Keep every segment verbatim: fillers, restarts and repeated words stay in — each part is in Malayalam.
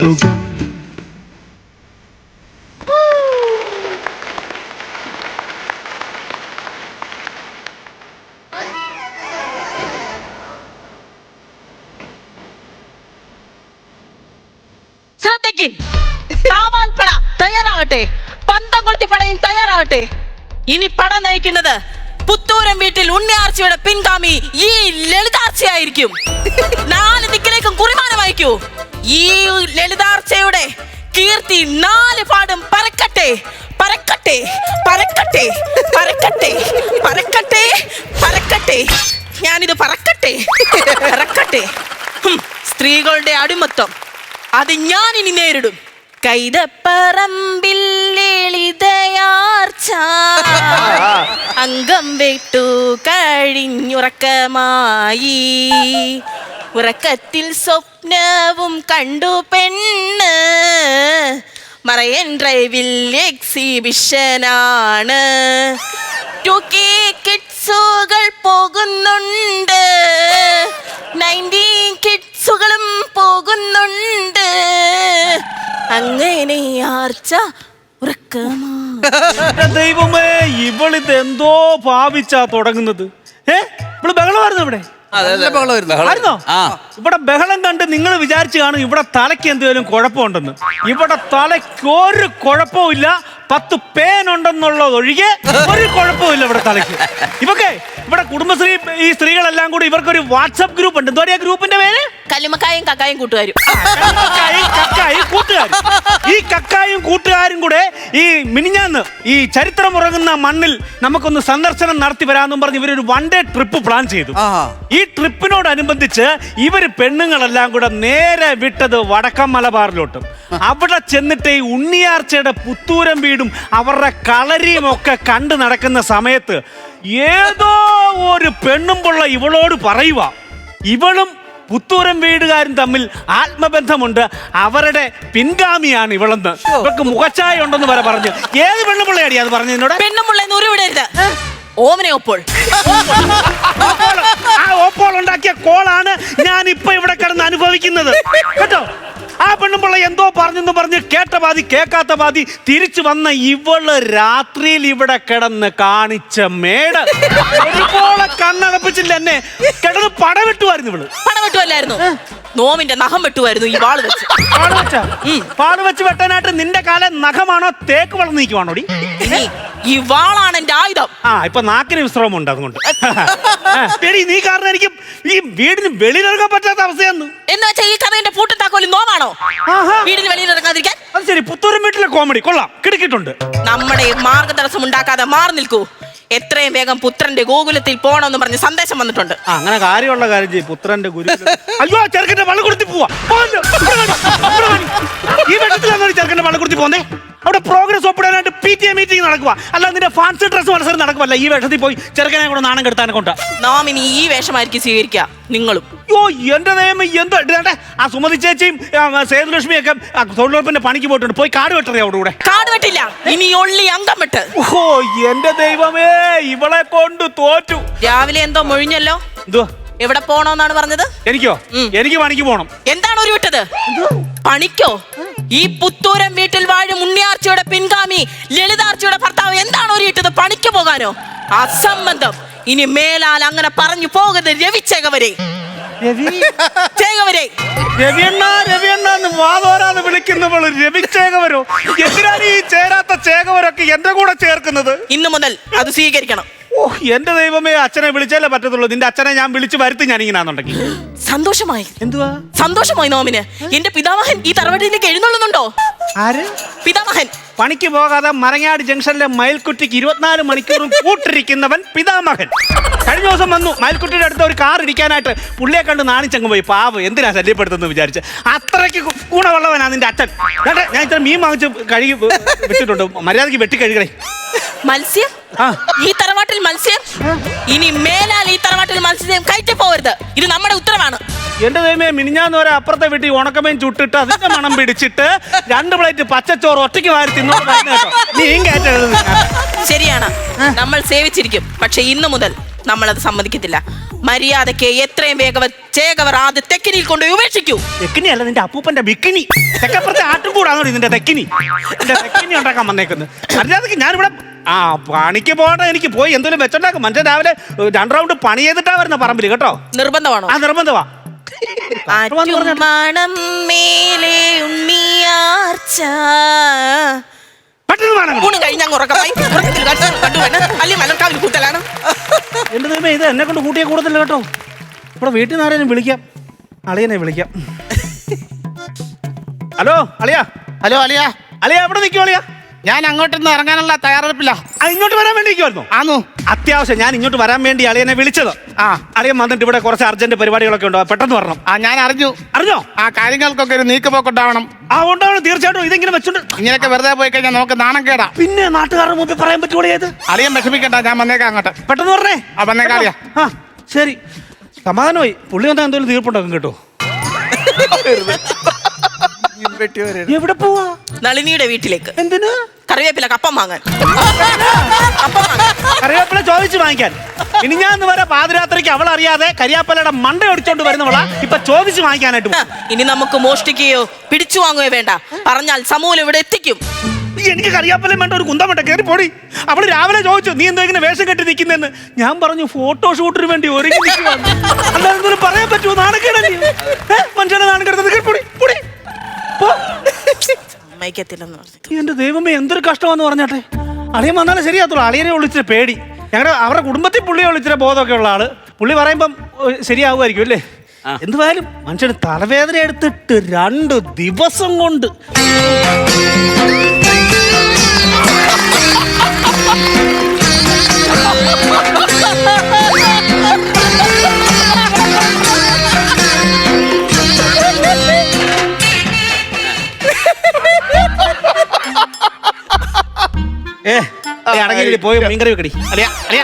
തയ്യാറാകട്ടെ, പന്തം കൊളുത്തി പടയും തയ്യാറാകട്ടെ. ഇനി പട നയിക്കുന്നത് പുത്തൂരം വീട്ടിൽ ഉണ്ണിയാർച്ചയുടെ പിൻഗാമി ഈ ലളിതാർച്ചയായിരിക്കും. നാല് ദിക്കിലേക്കും കുറിമാനം അയക്കൂ. ഈ ലളിതാർച്ചയുടെ കീർത്തി നാല് പാടും പരക്കട്ടെ, പരക്കട്ടെ, പരക്കട്ടെ, പരക്കട്ടെ, പരക്കട്ടെ, പരക്കട്ടെ. ഞാനിത് പറക്കട്ടെ, പറക്കട്ടെ. സ്ത്രീകളുടെ അടിമത്തം അത് ഞാൻ ഇനി നേരിടും. കൈതപ്പറമ്പിൽ ലളിതയാർച്ച അംഗം വിട്ടു കഴിഞ്ഞുറക്കമായി. ഉറക്കത്തിൽ സ്വപ്നവും കണ്ടു പെണ്ണ്. മറയൻ ഡ്രൈവിൽ എക്സിബിഷനാണ്. ടു കെ കിഡ്സുകൾ പോകുന്നുണ്ട്, നയൻറ്റീൻ കിഡ്സുകളും പോകുന്നുണ്ട്. അങ്ങനെ ആർച്ച ഉറക്കമാ. ദൈവമേ, ഇവളിത് എന്തോ ഭാവിച്ചാ തുടങ്ങുന്നത്. ഏ ഇവള് ബഹളമായിരുന്നു ഇവിടെ. ഇവിടെ ബഹളം കണ്ട് നിങ്ങൾ വിചാരിച്ചു കാണും ഇവിടെ തലയ്ക്ക് എന്തെങ്കിലും കുഴപ്പമുണ്ടെന്ന്. ഇവിടെ തലയ്ക്ക് ഒരു കുഴപ്പമില്ല. പത്ത് പേനുണ്ടെന്നുള്ളത് ഒഴികെ ഒരു കുഴപ്പമില്ല ഇവിടെ തലയ്ക്ക്. ഇവക്കെ ഇവിടെ കുടുംബശ്രീ ഈ സ്ത്രീകളെല്ലാം കൂടി ഇവർക്കൊരു വാട്സപ്പ് ഗ്രൂപ്പ് ഉണ്ട്. എന്തോ ഗ്രൂപ്പിന്റെ പേര്? കല്ലുമക്കായും കക്കായും കൂട്ടുകാരും. കക്കായും കൂട്ടുകാരും. ഈ കക്കായും കൂട്ടുകാരും കൂടെ ഈ മിനിഞ്ഞാന്ന് ഈ ചരിത്രം ഉറങ്ങുന്ന മണ്ണിൽ നമുക്കൊന്ന് സന്ദർശനം നടത്തി വരാമെന്നും പറഞ്ഞ് ഇവരൊരു വൺ ഡേ ട്രിപ്പ് പ്ലാൻ ചെയ്തു. ഈ ട്രിപ്പിനോടനുബന്ധിച്ച് ഇവര് പെണ്ണുങ്ങളെല്ലാം കൂടെ നേരെ വിട്ടത് വടക്കൻ മലബാറിലോട്ടും. അവിടെ ചെന്നിട്ട് ഈ ഉണ്ണിയാർച്ചയുടെ പുത്തൂരം വീടും അവരുടെ കളരിയും ഒക്കെ കണ്ടു നടക്കുന്ന സമയത്ത് ഏതോ ഒരു പെണ്ണും പിള്ള ഇവളോട് പറയുക, ഇവളും പുത്തൂരം വീടുകാരും തമ്മിൽ ആത്മബന്ധമുണ്ട്, അവരുടെ പിൻഗാമിയാണ് ഇവളെന്ന്. ഇവർക്ക് മുഖച്ചായ ഉണ്ടെന്ന് വരെ പറഞ്ഞു. ഏത് പെണ്ണുപിള്ളയാടി അത് പറഞ്ഞു എന്നോട്? പെണ്ണുപിള്ള ഓമനെ ഓപ്പോൾ. ആ ഓപ്പോൾ ഉണ്ടാക്കിയ കോളാണ് ഞാൻ ഇപ്പൊ ഇവിടെ കിടന്ന് അനുഭവിക്കുന്നത് കേട്ടോ. ആ പെണ്ണുമ്പിള്ള എന്തോ പറഞ്ഞെന്ന് പറഞ്ഞ് കേട്ട പാതി കേൾക്കാത്ത പാതി തിരിച്ചു വന്ന ഇവള് രാത്രിയിൽ ഇവിടെ കിടന്ന് കാണിച്ച മേട് ഒരുപോലെ കണ്ണടപ്പിച്ചില്ല. എന്നെ കിടന്ന് പടവെട്ടുമായിരുന്നു ഇവള്. പടവെട്ടുമല്ലായിരുന്നു, നോമിന്റെ നഖം വെട്ടുമായിരുന്നു ഈ വാള് വെച്ച്. പാട് വെച്ച പാട് വെച്ച് വെട്ടാനായിട്ട് നിന്റെ കാലം നഖമാണോ തേക്ക് വളർന്നു നീക്കുവാണോ? ഈ വാളാണ് എന്റെ ആയുധം. ആ ഇപ്പൊ നാക്കിന് വിശ്രമം ഉണ്ട്, അതുകൊണ്ട് നീ കാരണം എനിക്ക് ഈ വീടിന് വെളിയിലിറങ്ങാൻ പറ്റാത്ത അവസ്ഥയാണ്. എന്ന് വെച്ചാൽ ഈ കഥയുടെ പൂട്ടും താക്കോലും നോമാണോ വീടിന് വെളിയിലിറങ്ങാതിരിക്കാൻ? അത് ശരി, പുത്തൂരം വീട്ടിലെ കോമഡി കൊള്ളാം, കിടക്കിട്ടുണ്ട്. നമ്മുടെ മാർഗതടസ്സം ഉണ്ടാക്കാതെ മാറി നിൽക്കൂ. എത്രയും വേഗം പുത്രന്റെ ഗോകുലത്തിൽ പോണമെന്ന് പറഞ്ഞ് സന്ദേശം വന്നിട്ടുണ്ട്. അങ്ങനെ കാര്യമുള്ള കാര്യം ചെയ്യും. പുത്രന്റെ ഗുരുകുലം. അയ്യോ, ചെറുക്കന്റെ വള്ളക്കുടുത്തി പോവാ. ഈ വെള്ളത്തിലാണ് ചെറുക്കന്റെ വള്ളക്കുടുത്തി പോന്നേ. അവിടെ പ്രോഗ്രസ് ഒപ്പിടാനായിട്ട് പി ടി എ മീറ്റിംഗ് നടക്കുക. അല്ല നിന്റെ ഫാൻസി ഡ്രസ് മത്സരം നടക്കുമല്ല. ഈ വേഷത്തിൽ പോയി ചെറുക്കനെ കൂടെ നാണം കെടുത്താനെ കൊണ്ട് നാം ഇനി ഈ വേഷമായിരിക്കും സ്വീകരിക്കുക നിങ്ങളും. അയ്യോ എന്റെ നിയമം എന്തോ. ആ സുമതി ചേച്ചിയും സേതുലക്ഷ്മിയൊക്കെ തൊഴിലുറപ്പിന്റെ പണിക്ക് പോയിട്ടുണ്ട്. പോയി കാട് വെട്ടറിയാ അവിടെ കൂടെ. കാട് വെട്ടില്ല, ഇനി ഒള്ളി അംഗം വെട്ട്. ഓ എന്റെ ദൈവമേ, ഇവളെ കൊണ്ട് തോറ്റു. രാവിലെ എന്തോ മൊഴിഞ്ഞല്ലോ. എന്തോ എവിടെ പോണോന്നാണ് പറഞ്ഞത്? എനിക്കോ? എനിക്ക് പണിക്ക് പോണം. എന്താണ് ഒരു വിട്ടത്? പണിക്കോ? ഈ പുത്തൂരം വീട്ടിൽ വാഴും ഉണ്ണിയാർച്ചയുടെ പിൻഗാമി ലളിതാർച്ചയുടെ ഭർത്താവ് എന്താണ് ഒരു ഇട്ടത്? പണിക്ക് പോകാനോ? അസംബന്ധം. ഇനി മേലാൽ അങ്ങനെ പറഞ്ഞു പോകരുത്. രവി ചേകവരെ ചേകവരെ രവിയണ്ണ രവിയണ്ണ വാതോരാന്ന് വിളിക്കുന്നവള് രവി ചേകവരോ? എന്തിനാണ് ഈ ചേരാത്ത ചേകവരൊക്കെ എന്റെ കൂടെ ചേർക്കുന്നത്? ഇന്നു മുതൽ അത് സ്വീകരിക്കണം. ഓ എന്റെ ദൈവമേ, അച്ഛനെ വിളിച്ചാലേ പറ്റത്തുള്ളൂ. നിന്റെ അച്ഛനെ ഞാൻ വിളിച്ചു വരുത്തി ഞാൻ ഇങ്ങനാന്നുണ്ടെങ്കിൽ. സന്തോഷമായി. എന്തുവാ സന്തോഷമായി നോമിന്? എന്റെ പിതാമഹൻ ഈ തറവാട്ടിലേക്ക് എഴുന്നള്ളുന്നുണ്ടോ? ആര് പിതാമഹൻ? പണിക്ക് പോകാതെ മരങ്ങാട് ജംഗ്ഷനിലെ മയിൽക്കുട്ടിക്ക് ഇരുപത്തിനാല് മണിക്കൂറും കൂട്ടിരിക്കുന്നവൻ പിതാമഹൻ. കഴിഞ്ഞ ദിവസം വന്നു മയിൽക്കുട്ടിയുടെ അടുത്ത് ഒരു കാർ ഇടിക്കാനായിട്ട്. പുള്ളിയെ കണ്ട് നാണിച്ചങ്ങ് പോയി. പാവ്, എന്തിനാ ശല്യപ്പെടുത്തുന്നത് വിചാരിച്ച്. അത്രയ്ക്ക് ഗുണമുള്ളവനാ നിന്റെ അച്ഛൻ. ഞാൻ ഇത്ര മീൻ വാങ്ങിച്ച് കഴുകി വെച്ചിട്ടുണ്ട്. മര്യാദക്ക് വെട്ടി കഴുകണേ. മത്സ്യം? ഈ തറവാട്ടിൽ മത്സ്യം? ഇനി മേലാൽ ഈ തറവാട്ടിൽ മത്സ്യം കയറ്റി പോകരുത്. ഇത് നമ്മുടെ ഉത്തരവാണ്. എന്റെ ദൈവമേ, മിനിഞ്ഞാന്ന് വരെ അപ്പുറത്തെ വീട്ടിൽ ഉണക്കമേൻ ചുട്ടിട്ട് അതിന്റെ മണം പിടിച്ചിട്ട് രണ്ട് പ്ലേറ്റ് പച്ചച്ചോറ് ഒറ്റയ്ക്ക് വാരി തിന്നോ കേട്ടോ. നീ കയറ്റരുത്. ശരിയാണ്, നമ്മൾ സേവിച്ചിരിക്കും. പക്ഷെ ഇന്നു മുതൽ നമ്മളത് സമ്മതിക്കത്തില്ല. മര്യാദക്ക് എത്രയും വേഗം ചേകവർ ആദ്യ തെക്കിനിയിൽ കൊണ്ടുപോയി ഉപേക്ഷിക്കൂ. തെക്കിനി അല്ല, നിന്റെ അപ്പൂപ്പന്റെ ബിക്കിനി. തെക്കപ്പുറത്തെ ആട്ടും കൂടാണോ നിന്റെ തെക്കിനി? നിന്റെ തെക്കിനി ഉണ്ടാക്കാൻ വന്നേക്കുന്നത്. മര്യാദക്ക് ഞാനിവിടെ ആ പണിക്ക് പോകണ്ട, എനിക്ക് പോയി എന്തെങ്കിലും വെച്ചോണ്ടാക്കും. മനുഷ്യൻ രാവിലെ രണ്ട് റൗണ്ട് പണി ചെയ്തിട്ടാ വരുന്ന പറമ്പില് കേട്ടോ. നിർബന്ധമാണോ? ആ നിർബന്ധമാ. മണം മേലെ ഉണ്ണിയാർച്ച ഊണ് കഴിഞ്ഞ മലർക്കാവിൽ കൂട്ടലാണ്. എന്റെ ദൈവമേ, ഇത് എന്നെ കൊണ്ട് കൂട്ടിയ കൂടുതൽ കേട്ടോ. ഇവിടെ വീട്ടിൽ നിന്ന് ആരെയും വിളിക്കാം, അളിയനെ വിളിക്കാം. ഹലോ അളിയാ. ഹലോ അളിയാ. അളിയാ എവിടെ നിൽക്കും അളിയാ? ഞാൻ അങ്ങോട്ടൊന്ന് ഇറങ്ങാനുള്ള തയ്യാറെടുപ്പില്ല. ആ ഇങ്ങോട്ട് വരാൻ വേണ്ടി നിൽക്കുമായിരുന്നു. ആന്നു. അത്യാവശ്യം ഞാൻ ഇങ്ങോട്ട് വരാൻ വേണ്ടി അളിയനെ വിളിച്ചത്. ആ അളിയൻ വന്നിട്ട് ഇവിടെ കുറച്ച് അർജന്റ് പരിപാടികളൊക്കെ ഉണ്ടോ, പെട്ടെന്ന് വരണം. ആ ഞാൻ അറിഞ്ഞു. അറിഞ്ഞോ? ആ കാര്യങ്ങൾക്കൊക്കെ ഒരു നീക്കുപോക്കുണ്ടാവണം. ആ ഉണ്ടാവണം, തീർച്ചയായിട്ടും. ഇതെങ്ങനെ വെച്ചോണ്ട് ഇങ്ങനെയൊക്കെ വെറുതെ പോയി കഴിഞ്ഞാൽ നമുക്ക് നാണം കേടാ. പിന്നെ നാട്ടുകാരുടെ മുമ്പിൽ പറയാൻ പറ്റുള്ളൂ. ഏത് അളിയൻ വിഷമിക്കണ്ട, ഞാൻ വന്നേക്കാം അങ്ങോട്ട്. പെട്ടെന്ന് പറഞ്ഞേ. ആ വന്നേക്കാം അളിയാ. ആ ശരി, സമാധാനമായി. പുള്ളി വന്നാൽ എന്തെങ്കിലും തീർപ്പുണ്ടാക്കും കേട്ടോ. എവിടെ പോവാ? നളിനിയുടെ വീട്ടിലേക്ക്. എന്തിന്? കറിവേപ്പില കപ്പം വാങ്ങാൻ. കപ്പം വാങ്ങാൻ. കറിവേപ്പില ചോദിച്ചു വാങ്ങിക്കാൻ. ഇനി ഞാൻ വരെ പാതിരാത്രിക്ക് അവൾ അറിയാതെ കരിയാപ്പലയുടെ മണ്ട ഒടിച്ചോണ്ട് വരുന്നവളാ ഇപ്പൊ ചോദിച്ചു വാങ്ങിക്കാനായിട്ട് ആ, ഇനി നമുക്ക് മോഷ്ടിക്കുകയോ പിടിച്ചു വാങ്ങുകയോ വേണ്ട. പറഞ്ഞാൽ സമൂലം ഇവിടെ എത്തിക്കും. എനിക്ക് കറിയാപ്പലം വേണ്ട, ഒരു കുന്തം വേണ്ട. കയറി പോടി. അവള് രാവിലെ ചോദിച്ചു നീ എന്താ ഇങ്ങനെ വേഷം കെട്ടി നിൽക്കുന്നെന്ന്. ഞാൻ പറഞ്ഞു ഫോട്ടോഷൂട്ടിന് വേണ്ടി ഒരുങ്ങി നിൽക്കുവാണ്. അല്ലാതെ എന്തെങ്കിലും പറയാൻ പറ്റുമോ? നാണക്കേടല്ലേ മനുഷ്യനെ നാണക്കെടുത്തത്. കയറി പൊടി പൊടി പോ. സമ്മതിക്കത്തില്ലെന്ന് പറഞ്ഞു. എന്റെ ദൈവമേ, എന്തൊരു കഷ്ടമാന്ന് പറഞ്ഞാട്ടെ. അളിയൻ വന്നാലും ശരിയാത്തുള്ളൂ. അളിയനെ വിളിച്ചിട്ട് പേടി. ഞങ്ങളുടെ അവരുടെ കുടുംബത്തിൽ പുള്ളിയെ വിളിച്ചിട്ട് ബോധമൊക്കെ ഉള്ള ആള്. പുള്ളി പറയുമ്പം ശരിയാവുമായിരിക്കും അല്ലേ? എന്തുവായാലും മനുഷ്യന് തലവേദന എടുത്തിട്ട് രണ്ട് ദിവസം കൊണ്ട് ഏ അടങ്ങി പോയി മീൻകറി വെക്കടി. അളിയാ അളിയാ.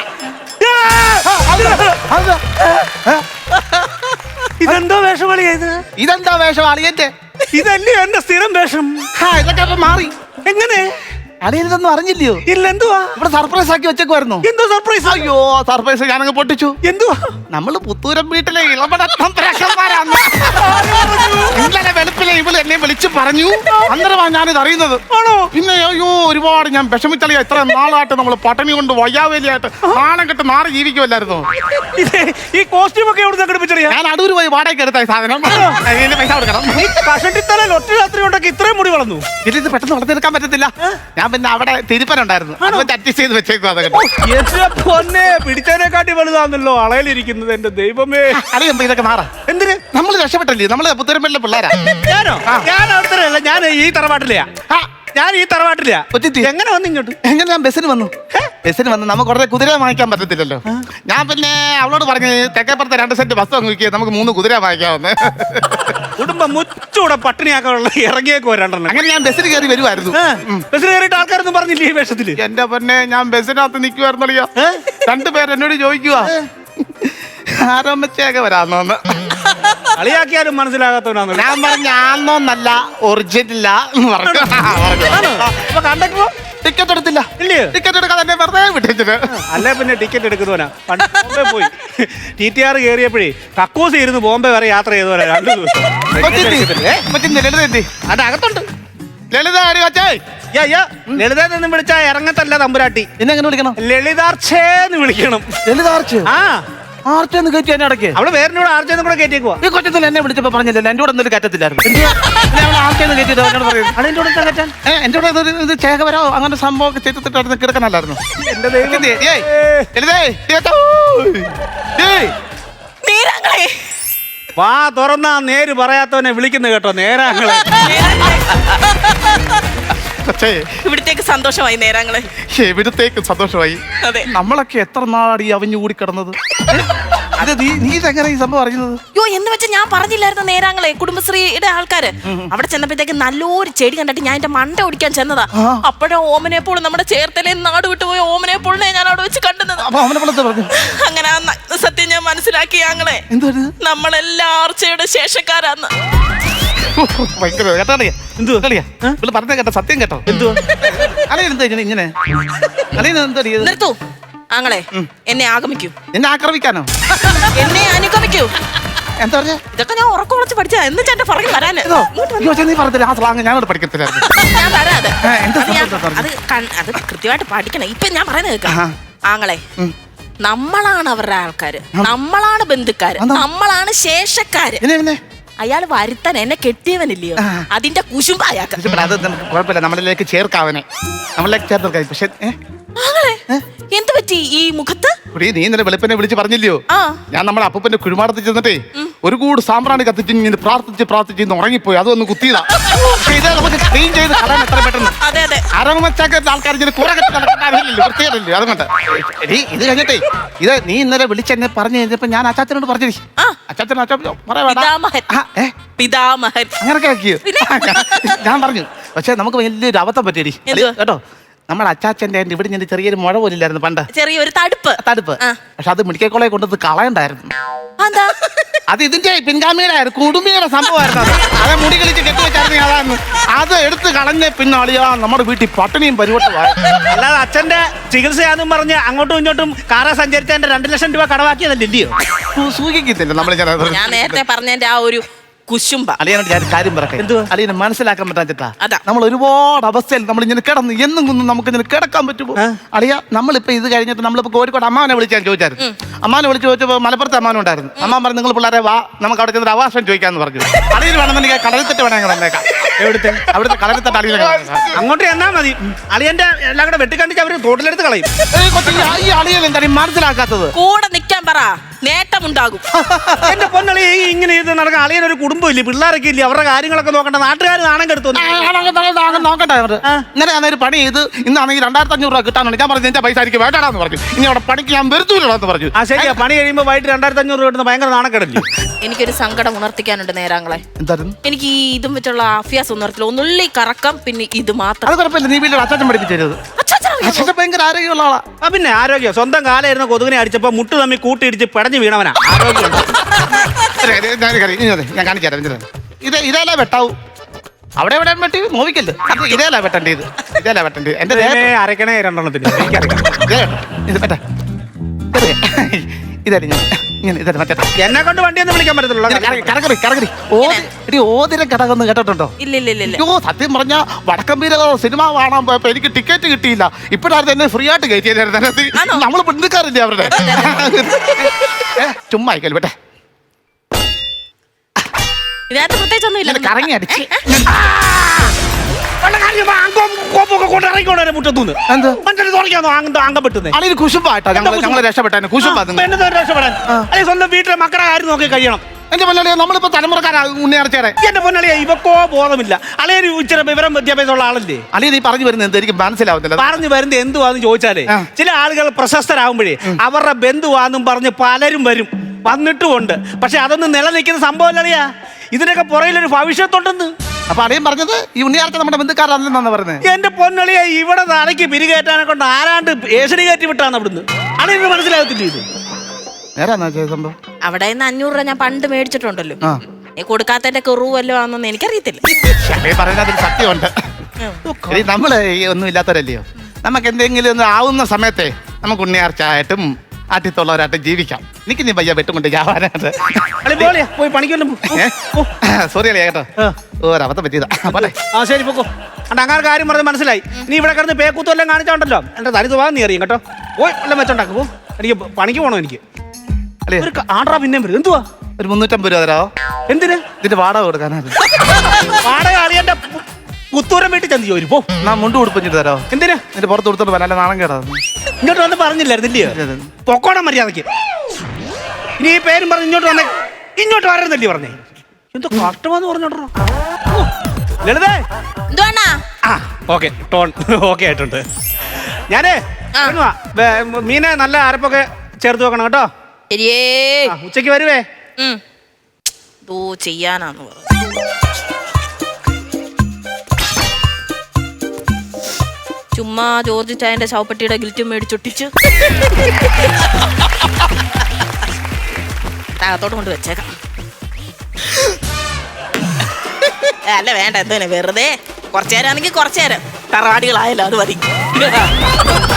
ഇതെന്തോ വേഷം കളിയായത്? ഇതെന്താ വേഷം അളിയന്റെ? ഇതല്ലേ എന്റെ സ്ഥിരം വേഷം. ആ ഇതൊക്കെ അപ്പൊ മാറി. എങ്ങനെ? അളിയൻ ഇതൊന്നും അറിഞ്ഞില്ലയോ? ഇല്ല. എന്തുവാ? ഇവിടെ സർപ്രൈസ് ആക്കി വെച്ചേക്കുമായിരുന്നു. എന്തോ സർപ്രൈസ്? അയ്യോ സർപ്രൈസ് ഞാനങ്ങ് പൊട്ടിച്ചു. എന്തുവാ? നമ്മള് പുത്തൂരം വീട്ടിലെ ഇളപടക്കന്മാരാന്ന് ഇന്നലെ വെളുപ്പിലെ ഇവള് എന്നെ വിളിച്ചു പറഞ്ഞു. അന്നേരമാണ് ഞാനിത് അറിയുന്നത്. ആണോ? പിന്നെ അയ്യോ ഒരുപാട് ഞാൻ വിഷമിച്ചളിയ. ഇത്ര നാളായിട്ട് നമ്മള് പട്ടണി കൊണ്ട് വയ്യാവേലിയായിട്ട് നാണം കെട്ട് മാറി ജീവിക്കുമല്ലായിരുന്നു. ഈ കോസ്റ്റ്യൂം ഒക്കെ എവിടെ സംഘടിപ്പിച്ചറിയാ? ഞാൻ അടൂര് പോയി വാടകയ്ക്ക് എടുത്ത സാധനം. അതിന് പൈസ കൊടുക്കണം. കഷണ്ടിത്തലയിൽ ഒറ്റ രാത്രി കൊണ്ടൊക്കെ ഇത്രയും മുടി വളർന്നു. ഇത് പെട്ടെന്ന് വളർത്തിയെടുക്കാൻ പറ്റത്തില്ല. ഞാൻ പിന്നെ അവിടെ തിരുപ്പനുണ്ടായിരുന്നു, അഡ്ജസ്റ്റ് ചെയ്ത് വെച്ചേക്കും. അതൊക്കെ പൊന്നെ പിടിച്ചതിനെക്കാട്ടി വലുതാന്നല്ലോ അളയിലിരിക്കുന്നത്. എന്റെ ദൈവമേ. അറിയുമ്പോ ഇതൊക്കെ മാറാ. എന്തിന്? നമ്മൾ രക്ഷപ്പെട്ടല്ലേ? നമ്മള് പുത്തൂരമ്പലിലെ പിള്ളേരാ. ഞാനോ? ഞാൻ അവിടുത്തെ ഞാൻ ഈ തറവാട്ടിലെയാ. ഞാൻ ഈ തറവാട്ടിലെയാ. എങ്ങനെ വന്നു ഇങ്ങോട്ട്? എങ്ങനെ? ഞാൻ ബസ്സിന് വന്നു. ബസ്സിന് വന്ന് നമുക്ക് കുറേ കുതിര വാങ്ങിക്കാൻ പറ്റത്തില്ലല്ലോ. ഞാൻ പിന്നെ അവളോട് പറഞ്ഞു തെക്കേപ്പുറത്തെ രണ്ട് സെന്റ് ബസ് വാങ്ങിക്കുക, നമുക്ക് മൂന്ന് കുതിര വാങ്ങിക്കാമെന്ന്. കുടുംബം മുച്ചൂടെ പട്ടിണിയാക്കാനുള്ള ഇറങ്ങിയേക്കോ രണ്ടെണ്ണം. അങ്ങനെ ഞാൻ ബസ്സിന് കയറി വരുമായിരുന്നു. ബസ്സിൽ കയറിയിട്ട് ആൾക്കാരൊന്നും പറഞ്ഞില്ലേ ഈ വേഷത്തില്? എന്റെ പൊന്നെ, ഞാൻ ബസ്സിനകത്ത് നിൽക്കുവായിരുന്നല്ലോ. രണ്ടുപേർ എന്നോട് ചോദിക്കുക ആരോമച്ചയൊക്കെ വരാന്നോന്ന്. കളിയാക്കിയാലും മനസ്സിലാകാത്തവനാണ്. ഞാൻ പറഞ്ഞ ആന്നോന്നല്ല ഒറിജിനല്ല എന്ന് പറഞ്ഞു. കണ്ടക്ടറോ ടിക്കറ്റ് എടുത്തില്ല. ഇല്ലേ? ടിക്കറ്റ് എടുക്കാൻ തന്നെ വെറുതെ വിട്ടിട്ട്. അല്ലേ പിന്നെ ടിക്കറ്റ് എടുക്കുന്നവനാ. പണ്ട് ബോംബെ പോയി ടി ടി ആർ കയറിയപ്പോഴേ കക്കൂസ് ഇരുന്ന് ബോംബെ വരെ യാത്ര ചെയ്തവരാ രണ്ടു ദിവസം. ലളിത എത്തി. അത് അകത്തുണ്ട്. ലളിത ലളിത എന്ന് വിളിച്ചാ ഇറങ്ങത്തല്ല തമ്പുരാട്ടി. എന്നെ എങ്ങനെ വിളിക്കണം? ലളിതാർച്ചേന്ന് വിളിക്കണം. ലളിതാർച്ച? ആ ആർച്ചെന്ന് കയറ്റി എന്നെ അടക്കേ. അവള് പേരിനോട് ആർച്ചെന്ന് കൂടെ കയറ്റിയേക്കുവാ. ഈ കൊച്ചത്തിൽ എന്നെ വിളിച്ചപ്പോ പറഞ്ഞില്ലല്ലോ എന്റെ കൂടെ ഒന്നും കയറ്റത്തില്ലായിരുന്നു. ആർച്ചെന്ന് കയറ്റിയത് എന്നോട് പറയുന്നത്. അതിന്റെ കൂടെ കയറ്റാൻ എന്റെ കൂടെ ഇത് ചേകവരോ അങ്ങനെ സംഭവം ഒക്കെ ചെയ്തിട്ടായിരുന്നു കിടക്കണല്ലായിരുന്നു. എന്റെ ദൈവം. വാ തുറന്നാ നേര് പറയാത്തവനെ വിളിക്കുന്നു കേട്ടോ നേരാങ്ങളെ. ഇവിടത്തേക്ക് സന്തോഷമായി നേരാങ്ങളെ. എവിടത്തേക്ക് സന്തോഷമായി. അതെ. നമ്മളൊക്കെ എത്ര നാളാടി അവഞ്ഞു കൂടി കിടന്നത്. അത് നീ നീ ഇതെങ്ങനെ ഈ സംഭവം അറിയുന്നത്? യോ എന്ന് വെച്ചാൽ ഞാൻ പറഞ്ഞില്ലായിരുന്നു നേരാങ്ങളെ, കുടുംബശ്രീയുടെ ആൾക്കാര് അവിടെ ചെന്നപ്പോഴത്തേക്ക് നല്ലൊരു ചെടി കണ്ടിട്ട് ഞാൻ എന്റെ മണ്ട ഓടിക്കാൻ ചെന്നതാ. അപ്പോഴാ ഓമനേപ്പോൾ നമ്മുടെ ചേർത്തലേ നാട് വിട്ടുപോയ ഓമനേപ്പോളിനെ ഞാൻ അവിടെ വെച്ച് കണ്ടുന്നത്. അങ്ങനെ ആ സത്യം ഞാൻ മനസ്സിലാക്കി ഞങ്ങളെ. നമ്മളെല്ലാം ആർച്ചയുടെ ശേഷക്കാരാന്ന്. ഭയങ്കര കേട്ടാളിയാ. എന്തുവാ കളിയാ? പറഞ്ഞ കേട്ടോ, സത്യം കേട്ടോ. എന്തുവാ അലയെന്താ ഇങ്ങനെ ഇങ്ങനെ അലയെന്താ? നിർത്തൂ. ആങ്ങളെ എന്നെ ആഗമിക്കൂ. എന്നെ ആക്രമിക്കാനോ? എന്നെ അനുഗമിക്കൂ. എന്താ പറഞ്ഞ? ഇതൊക്കെ ഞാൻ ഉറക്കം ഉറച്ച് പഠിച്ചാ എന്ന് ചേട്ടൻ പറഞ്ഞു വരാന്. നീ പറഞ്ഞില്ല ആ സ്ലാങ് ഞാനോട് പഠിക്കത്തില്ലായിരുന്നു. ഞാൻ വരാതെ ആ, എന്താ അത് ഞാൻ- സംഭവം പറഞ്ഞത്? അത് കൺ- അത് കൃത്യമായിട്ട് പഠിക്കണം. ഇപ്പൊ ഞാൻ പറയുന്നത് കേൾക്കാം. ആങ്ങളെ നമ്മളാണ് അവരുടെ ആൾക്കാര്, നമ്മളാണ് ബന്ധുക്കാര്, നമ്മളാണ് ശേഷക്കാര്. പിന്നെ പിന്നെ അയാൾ വരുത്താൻ എന്നെ കെട്ടിയവനില്ലയോ, അതിന്റെ കുശുമ്പ അയാൾക്ക്. പക്ഷെ അത് നമുക്ക് കുഴപ്പമില്ല, നമ്മളിലേക്ക് ചേർക്കാവനെ നമ്മളിലേക്ക് ചേർത്ത്. പക്ഷെ ആങ്ങളെ എന്ത് പറ്റി ഈ മുഖത്ത്? കുടി നീ ഇന്നലെ വെളുപ്പിനെ വിളിച്ച് പറഞ്ഞില്ലയോ, ആ ഞാൻ നമ്മുടെ അപ്പൂപ്പന്റെ കുഴിമാടത്തിൽ ചെന്നിട്ടേ ഒരു കൂട് സാമ്പ്രാണി കത്തിച്ച് ഇങ്ങനെ പ്രാർത്ഥിച്ച് പ്രാർത്ഥിച്ച് ഇന്ന് ഉറങ്ങിപ്പോയി. അതൊന്ന് കുത്തിയതാ. പക്ഷേ ഇത് നമുക്ക് ക്ലീൻ ചെയ്ത് കളയാൻ എത്ര പെട്ടെന്ന്. അതെ അതെ അരമച്ചാക്കത്തെ ആൾക്കാർ ഇങ്ങനെ കുറെ കെട്ടി നടക്കേണ്ട ആവശ്യമില്ലല്ലോ, വൃത്തികേടല്ലേ. അതുകൊണ്ട് എടീ ഇത് കഴിഞ്ഞിട്ടേ ഇത് നീ ഇന്നലെ വിളിച്ചെന്നെ പറഞ്ഞു കഴിഞ്ഞപ്പോ ഞാൻ അച്ചാച്ചനോട് പറഞ്ഞു. ആ. അച്ചാച്ചൻ അച്ചാച്ചൻ പറയാ പിതാമഹൻ പിതാമഹൻ അങ്ങനൊക്കെ ആക്കിയോ? ഞാൻ പറഞ്ഞു. പക്ഷെ നമുക്ക് വലിയൊരു അബദ്ധം പറ്റിയടി എന്തുവാ? കേട്ടോ. നമ്മുടെ അച്ചാച്ചന്റെ ഇവിടെ ഞാൻ ചെറിയൊരു മുഴ പോലില്ലായിരുന്നു പണ്ട്, ചെറിയൊരു തടുപ്പ് തടുപ്പ്. ആ. പക്ഷെ അത് മെഡിക്കൽ കോളേജ് കൊണ്ടത് കളയണ്ടായിരുന്നു. എന്താ? അത് ഇതിന്റെ പിൻഗാമിയുടെ കുടുംബിയുടെ സംഭവമായിരുന്നു. അത് അത് മുടി കളിച്ച് കെട്ടിവെച്ചായിരുന്നു. അതാണ് അത് എടുത്ത് കളഞ്ഞ പിന്നെ അളിയാ നമ്മുടെ വീട്ടിൽ പട്ടിണിയും പരിവട്ടമായി. അല്ലാതെ അച്ഛന്റെ ചികിത്സയാന്നും പറഞ്ഞ് അങ്ങോട്ടും ഇങ്ങോട്ടും കാറ സഞ്ചരിച്ചതിന്റെ രണ്ടു ലക്ഷം രൂപ കടവാക്കിയതല്ലയോ? സൂചിക്കത്തില്ല നമ്മൾ. ഞാൻ നേരത്തെ പറഞ്ഞതിന്റെ ആ ഒരു കുശുംബ. അളിയനോട് ഞാൻ കാര്യം പറയാം. എന്തുവാ? അളിയനെ മനസ്സിലാക്കാൻ പറ്റാ അതാ. നമ്മൾ ഒരുപാട് അവസ്ഥയിൽ നമ്മൾ ഇങ്ങനെ കിടന്ന് എന്നും കുന്നും നമുക്ക് ഇങ്ങനെ കിടക്കാൻ പറ്റുമോ? അളിയ നമ്മളിപ്പോ ഇത് കഴിഞ്ഞിട്ട് നമ്മളിപ്പോ കോഴിക്കോട് അമ്മാവനെ വിളിച്ചാൽ ചോദിച്ചായിരുന്നു. അമ്മാനെ വിളിച്ച് ചോദിച്ചപ്പോൾ മലപ്പുറത്ത് അമ്മാവൻ ഉണ്ടായിരുന്നു. അമ്മാൻ പറഞ്ഞു നിങ്ങൾ പിള്ളേരെ വാ നമുക്ക് അവിടെ ചെന്നിട്ട് അവാസം ചോദിക്കാന്ന് പറഞ്ഞു. അളിയിൽ വേണമെന്നുണ്ടെങ്കിൽ കടലിത്തെട്ട് വേണമെങ്കിൽ തന്നേക്കാം. എവിടുത്തെ? അവിടുത്തെ കടലിത്തെട്ട് അളിയിൽ അങ്ങോട്ട് എന്നാ മതി. അളിയന്റെ എല്ലാം കൂടെ വെട്ടിക്കണ്ടിച്ച് അവര് തോട്ടിലെടുത്ത് കളയും. ഈ അളിയൻ എന്താണ് മനസ്സിലാക്കാത്തത്? കൂടെ നിൽക്കാൻ പറ, നേട്ടമുണ്ടാകും. എന്റെ പൊന്നളി ഇങ്ങനെ ഇത് നടക്കാൻ അളിയനൊരു കുടുംബം ഇല്ലേ, പിള്ളേരൊക്കെ ഇല്ലേ, അവരുടെ കാര്യങ്ങളൊക്കെ നോക്കണ്ട. നാട്ടുകാർ നാണം കെടുത്തു. നോക്കട്ടെ. ഇന്നലെ ഞാൻ ഒരു പണി ചെയ്ത് ഇന്നാണെങ്കിൽ രണ്ടായിരത്തി അഞ്ഞൂറ് രൂപ കിട്ടാനുണ്ട്. ഞാൻ പറഞ്ഞു എന്റെ പൈസ എനിക്ക് വേണ്ടാന്ന് പറഞ്ഞു. ഇനി അവിടെ പണിക്ക് ഞാൻ വരുത്തൂലെന്ന് പറഞ്ഞു. ആ ശരിയാ, പണി കഴിയുമ്പോ വൈകിട്ട് രണ്ടായിരത്തി അഞ്ഞൂറ് രൂപ കിട്ടുന്ന ഭയങ്കര നാണക്കെടല്ലേ. എനിക്കൊരു സങ്കടം ഉണർത്തിക്കാനുണ്ട് നേരാങ്ങളെ. എന്തായിരുന്നു? എനിക്ക് ഈ ഇതും വെച്ചുള്ള അഭ്യാസം ഉണർത്തില്ല. ഒന്നുള്ളി കറക്കം, പിന്നെ ഇത് മാത്രം. അത് കുഴപ്പമില്ല, നീ വീട്ടിൽ അച്ചാച്ചൻ പഠിപ്പിച്ചത്. അച്ഛൻ ഭയങ്കര ആരോഗ്യമുള്ള ആളാ. ആ പിന്നെ ആരോഗ്യം. സ്വന്തം കാലായിരുന്ന കൊതുകിനെ അടിച്ചപ്പോ മുട്ട് തമ്മി കൂട്ടിയിടിച്ച് പെടഞ്ഞു വീണവനാ. ആരോഗ്യം ഞാൻ കാണിച്ചു തരാം. ഇത് ഇതേല വെട്ടാവൂ. അവിടെ എവിടെ വെട്ടി നോവിക്കല്ലോ. അത് ഇതേല വെട്ടണ്ടേ? ഇത് ഇതേല വെട്ടണ്ടേ? എന്റെ അരക്കണേ രണ്ടെണ്ണത്തിന് ഇതടി ഞാൻ ഇങ്ങനെ ഇതേ മറ്റേ എന്നെ കൊണ്ട് വണ്ടിയൊന്നും വിളിക്കാൻ പറ്റത്തുള്ളൂ. കറകറി കറകറി ഓതി ഓതിര കടകൊന്ന് കേട്ടിട്ടുണ്ടോ? ഇല്ല ഇല്ല ഇല്ല ഇല്ല. അയ്യോ സത്യം പറഞ്ഞ വടക്കമ്പീര സിനിമ കാണാൻ പോയപ്പോ എനിക്ക് ടിക്കറ്റ് കിട്ടിയില്ല. ഇപ്പോഴായിരുന്നു എന്നെ ഫ്രീ ആയിട്ട് കയറ്റിയായിരുന്നു. നമ്മള് ബന്ധുക്കാരില്ലേ അവരുടെ. ചുമ്മാ ആയിക്കല്ലോ ബേട്ടെ. ഇതിനകത്ത് പ്രത്യേകിച്ചൊന്നും ഇല്ല. കറങ്ങി അടിച്ച് അളിയിൽ കുശുമ്പായിട്ടോ ഞങ്ങള് രക്ഷപ്പെട്ടു. കുശുമ്പാ സ്വന്തം വീട്ടിലെ മക്കളുടെ കാര്യം നോക്കി കഴിയണം. എന്റെ പൊന്നളിയെ നമ്മളിപ്പോ തലമുറക്കാരാ ഉണ്ണിയാർച്ചയുടെ. എന്റെ പൊന്നളിയെ ഇവക്കോ ബോധമില്ല. അളിയൊരു ഇച്ചിരി വിവരം വിദ്യാഭ്യാസമുള്ള ആളല്ലേ. അളിയ നീ പറഞ്ഞു വരുന്നത് എന്ത് എനിക്ക് മനസ്സിലാവുന്നില്ല. പറഞ്ഞു വരുന്നത് എന്തുവാന്ന് ചോദിച്ചാലേ, ചില ആളുകൾ പ്രശസ്തരാകുമ്പോഴേ അവരുടെ ബന്ധുവാന്നും പറഞ്ഞ് പലരും വരും, വന്നിട്ടുമുണ്ട്. പക്ഷെ അതൊന്നും നിലനിൽക്കുന്ന സംഭവമല്ലളിയാ. ഇതിനൊക്കെ പുറയിലൊരു ഭവിഷ്യത്തുണ്ടെന്ന്. അപ്പൊ അളിയൻ പറഞ്ഞത് ഈ ഉണ്ണിയാർച്ച നമ്മുടെ ബന്ധുക്കാരാണെന്നാണ് പറഞ്ഞത്. എന്റെ പൊന്നളിയെ ഇവിടെ തലയ്ക്ക് പിരികേറ്റാനെ കൊണ്ട് ആരാണ്ട് ഏഷണി കയറ്റി വിട്ടാണ് അവിടുന്ന്. അളിയന് മനസ്സിലാകത്തില്ല ഇത്. സംഭവം അവിടെ നിന്ന് അഞ്ഞൂറ് രൂപ ഞാൻ പണ്ട് മേടിച്ചിട്ടുണ്ടല്ലോ. നീ കൊടുക്കാത്തതിന്റെ കുറവ് വല്ലതും ആണെന്ന് എനിക്കറിയത്തില്ല. പറയുന്നതിൽ സത്യമുണ്ട്. നമ്മള് ഒന്നും ഇല്ലാത്തവരല്ലയോ. നമുക്ക് എന്തെങ്കിലും ഒന്ന് ആവുന്ന സമയത്തെ നമുക്ക് ഉണ്ണിയാർച്ചയായിട്ടും ആട്ടിത്തുള്ളവരായിട്ട് ജീവിക്കാം. എനിക്ക് നീ പയ്യ വെട്ടുകൊണ്ട് ജാവാനായിട്ട് പോയി പണിക്കൊല്ലും. സോറി അല്ലേ കേട്ടോ, ഒരബദ്ധം പറ്റിയതാ. പോട്ടെ. ആ ശരി പൊക്കോ. അണ്ട് അങ്ങനെ കാര്യം പറഞ്ഞ് മനസ്സിലായി. നീ ഇവിടെ കിടന്ന് പേക്കൂത്തും എല്ലാം കാണിച്ചോണ്ടല്ലോ. എന്റെ തനി സ്വഭാവം നീ അറിയും കേട്ടോ. പോയി എല്ലാം വെച്ചോണ്ടാക്കും. പോ, എനിക്ക് പണിക്ക് പോകണോ. എനിക്ക് ഒരു ആണ്ട്രാ പിന്നെ വരും. എന്തുവാ ഒരു മുന്നൂറ്റമ്പത് രൂപ തരാമോ? എന്തിന്? ഇതിന്റെ വാടക കൊടുക്കാനാണ്. വാടക അളിയന്റെ പുത്തൂരം വീട്ടിൽ ചെന്ന് ചോദിച്ചു. പോ, ഞാൻ മുണ്ട് കൊടുപ്പിച്ചിട്ട് തരാമോ? എന്തിനാ? നിന്റെ പുറത്ത് കൊടുത്തോണ്ട് വരാൻ നാണം കേടാ. ഇങ്ങോട്ട് വന്ന് പറഞ്ഞില്ലായിരുന്നില്ലയോ പൊക്കോണം മര്യാദക്ക്. ഇനി ഈ പേരും പറഞ്ഞ് ഇങ്ങോട്ട് വന്നേ. ഇങ്ങോട്ട് വരരുന്നല്ലേ പറഞ്ഞേ. എന്തോ കഷ്ടമാന്ന് പറഞ്ഞോട്ടോ ലളിതേ. ആ ഓക്കെ, ടോൺ ഓക്കെ ആയിട്ടുണ്ട്. ഞാനേ മീനെ നല്ല അരപ്പൊക്കെ ചേർത്ത് വെക്കണം കേട്ടോ. ശരിയേ. ഉച്ചക്ക് വരുവേ. ദോ ചെയ്യാനാന്ന് പറഞ്ഞു. ചുമ്മാ ജോർജ് ചായന്റെ ശവപ്പെട്ടിയുടെ ഗിൽറ്റും മേടിച്ചൊട്ടിച്ച് താഴത്തോട്ട് കൊണ്ട് വെച്ചേക്കാം. അല്ല വേണ്ട, എന്തിനാ വെറുതെ കുറച്ചേരാണെങ്കിൽ കുറച്ചേരം തറവാടികളായല്ലോ, അത് മതി.